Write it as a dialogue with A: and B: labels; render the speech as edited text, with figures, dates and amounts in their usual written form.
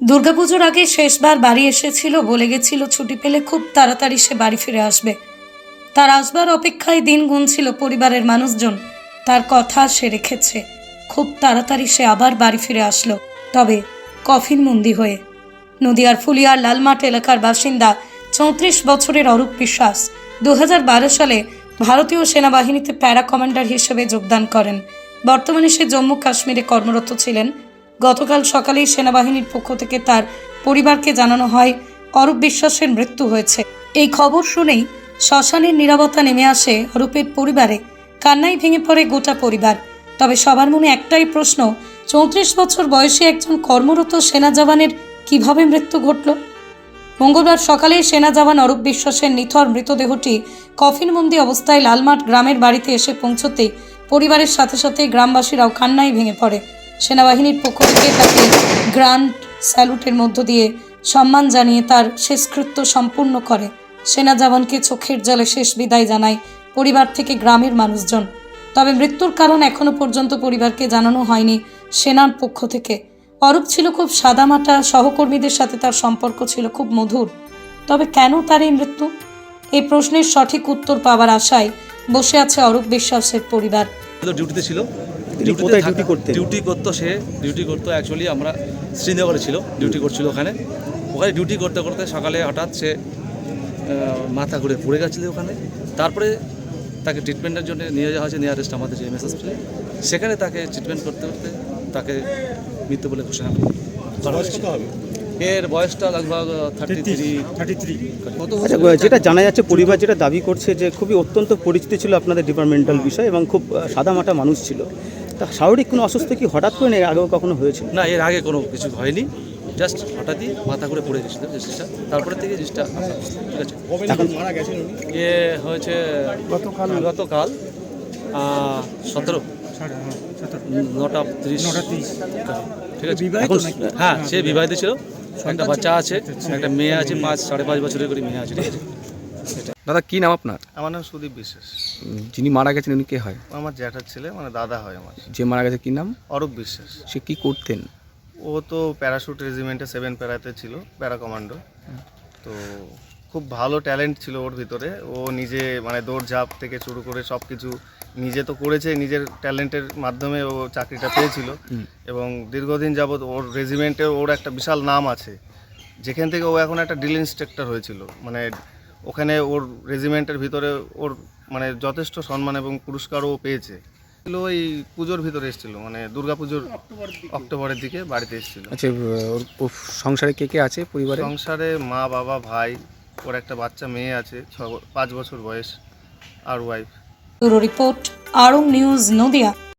A: দুর্গাপুজোর আগে শেষবার বাড়ি এসেছিল, বলে গেছিল ছুটি পেলে খুব তাড়াতাড়ি সে বাড়ি ফিরে আসবে। তার আসবার অপেক্ষায় দিন গুনছিল পরিবারের মানুষজন। তার কথা সে রেখেছে, খুব তাড়াতাড়ি সে আবার বাড়ি ফিরে আসলো, তবে কফিনবন্দি হয়ে। নদিয়ার ফুলিয়ার লালমাট এলাকার বাসিন্দা 34 বছরের অরূপ বিশ্বাস 2012 সালে ভারতীয় সেনাবাহিনীতে প্যারা কমান্ডার হিসেবে যোগদান করেন। বর্তমানে সে জম্মু কাশ্মীরে কর্মরত ছিলেন। গতকাল সকালেই সেনাবাহিনীর পক্ষ থেকে তার পরিবারকে জানানো হয় অরূপ বিশ্বাসের মৃত্যু হয়েছে। এই খবর শুনেই শ্মশানের নীরবতা নেমে আসে অরূপের পরিবারে। কান্নায় ভেঙে পড়ে গোটা পরিবার। তবে সবার মনে একটাই প্রশ্ন, 34 বছর বয়সী একজন কর্মরত সেনা জওয়ানের কিভাবে মৃত্যু ঘটল? মঙ্গলবার সকালে সেনা জওয়ান অরূপ বিশ্বাসের নিথর মৃতদেহটি কফিনবন্দি অবস্থায় লালমাট গ্রামের বাড়িতে এসে পৌঁছতেই পরিবারের সাথে সাথে গ্রামবাসীরাও কান্নায় ভেঙে পড়ে। সেনাবাহিনীর পক্ষ থেকে তাকে গ্র্যান্ড স্যালুটের মধ্য দিয়ে সম্মান জানিয়ে তার শেষকৃত্য সম্পূর্ণ করে। সেনা জওয়ানকে চোখের জলে শেষ বিদায় জানায় পরিবার থেকে গ্রামের মানুষজন। তবে মৃত্যুর কারণ এখনো পর্যন্ত পরিবারকে জানানো হয়নি সেনার পক্ষ থেকে। অরূপ ছিল খুব সাদামাটা, সহকর্মীদের সাথে তার সম্পর্ক ছিল খুব মধুর। তবে কেন তার এই মৃত্যু? এই প্রশ্নের সঠিক উত্তর পাওয়ার আশায় বসে আছে অরূপ বিশ্বাসের পরিবার।
B: ডিউটিতে ছিল, ডিউটি করতো অ্যাকচুয়ালি আমরা শ্রীনগরে ছিল, ডিউটি করছিল ওখানে ডিউটি করতে করতে সকালে হঠাৎ সে মাথা ঘুরে পড়ে গেছিলো ওখানে। তারপরে তাকে ট্রিটমেন্টের জন্য নিয়ে যাওয়া হয়েছে নিয়ারেস্ট আমাদের যে এমএস হসপিটালে। সেখানে তাকে ট্রিটমেন্ট করতে করতে তাকে মৃত্যু বলে ঘোষণা করা হয়েছে। এর বয়সটা লগভগ 33।
C: যেটা জানা যাচ্ছে, পরিবার যেটা দাবি করছে যে খুবই অত্যন্ত পরিচিত ছিল আপনাদের ডিপার্টমেন্টাল বিষয় এবং খুব সাদামাটা মানুষ ছিল। তা শারীরিক কোনো অসুস্থ কি হঠাৎ করে নেই, আগেও কখনো হয়েছিল?
B: না, এর আগে কোনো কিছু হয়নি, জাস্ট হঠাৎই মাথা ঘুরে পড়ে গেছিলো জিনিসটা। তারপরে থেকে জিনিসটা ঠিক আছে।
C: এখন
B: মারা গেছেন এ হয়েছে গতকাল 17 9টা 30 ঠিক আছে। এখন হ্যাঁ, সে বিবাহিত ছিল, একটা বাচ্চা আছে, একটা মেয়ে আছে, 5.5 বছরের করে মেয়ে আছে, ঠিক আছে।
D: দাদা কি নাম আপনার?
E: আমার নাম সুদীপ বিশ্বাস।
D: যিনি মারা গেছেন উনি কে হয়?
E: আমার জ্যাঠার ছেলে, মানে দাদা হয় আমার।
D: যে মারা গেছে কি নাম?
E: অরূপ বিশ্বাস।
D: সে কি করতেন?
E: ও তো প্যারাশুট রেজিমেন্টে 7 প্যারাতে ছিল, প্যারা কমান্ডো। তো খুব ভালো ট্যালেন্ট ছিল ওর ভিতরে। ও নিজে মানে দৌড়ঝাঁপ থেকে শুরু করে সব কিছু নিজে তো করেছে, নিজের ট্যালেন্টের মাধ্যমে ও চাকরিটা পেয়েছিল। এবং দীর্ঘদিন যাবৎ ওর রেজিমেন্টে ওর একটা বিশাল নাম আছে, যেখান থেকে ও এখন একটা ড্রিল ইন্সট্রাক্টর হয়েছিল। মানে ওখানে ওর রেজিমেন্টের ভিতরে ওর মানে যথেষ্ট সম্মান এবং পুরস্কারও পেয়েছে। ওই পুজোর ভিতরে এসেছিল, মানে দুর্গাপুজোর অক্টোবরের দিকে বাড়িতে এসেছিল।
D: আচ্ছা, ওর সংসারে কে কে আছে পরিবারে?
E: সংসারে মা, বাবা, ভাই, ওর একটা বাচ্চা মেয়ে আছে 5 বছর বয়স, আর ওয়াইফ।
A: ব্যুরো রিপোর্ট, আরং নিউজ, নদিয়া।